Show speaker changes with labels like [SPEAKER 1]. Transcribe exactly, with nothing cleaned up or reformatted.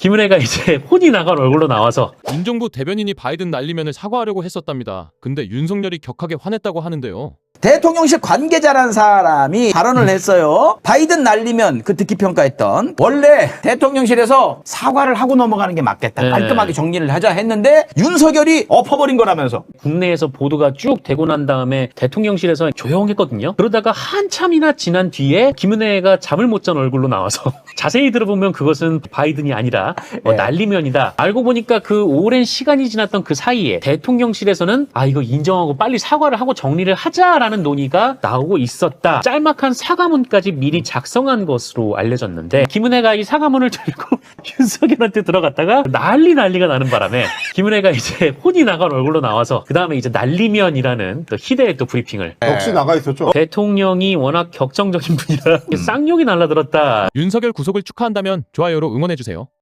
[SPEAKER 1] 김은혜가 이제 혼이 나간 얼굴로 나와서
[SPEAKER 2] 윤정부 대변인이 바이든 날리면을 사과하려고 했었답니다. 근데 윤석열이 격하게 화냈다고 하는데요.
[SPEAKER 3] 대통령실 관계자란 사람이 발언을 했어요. 바이든 날리면 그 듣기 평가했던 원래 대통령실에서 사과를 하고 넘어가는 게 맞겠다.
[SPEAKER 1] 네.
[SPEAKER 3] 깔끔하게 정리를 하자 했는데 윤석열이 엎어버린 거라면서.
[SPEAKER 1] 국내에서 보도가 쭉 되고 난 다음에 대통령실에서 조용했거든요. 그러다가 한참이나 지난 뒤에 김은혜가 잠을 못 잔 얼굴로 나와서 자세히 들어보면 그것은 바이든이 아니라 뭐
[SPEAKER 3] 네.
[SPEAKER 1] 날리면이다. 알고 보니까 그 오랜 시간이 지났던 그 사이에 대통령실에서는 아 이거 인정하고 빨리 사과를 하고 정리를 하자라는 논의가 나오고 있었다. 짤막한 사과문까지 미리 작성한 것으로 알려졌는데 김은혜가 이 사과문을 들고 윤석열한테 들어갔다가 난리 난리가 나는 바람에 김은혜가 이제 혼이 나간 얼굴로 나와서 그 다음에 이제 날리면이라는 또 희대의 또 브리핑을
[SPEAKER 4] 역시 나가 있었죠.
[SPEAKER 1] 대통령이 워낙 격정적인 분이라 쌍욕이 날라들었다.
[SPEAKER 2] 윤석열 구속을 축하한다면 좋아요로 응원해주세요.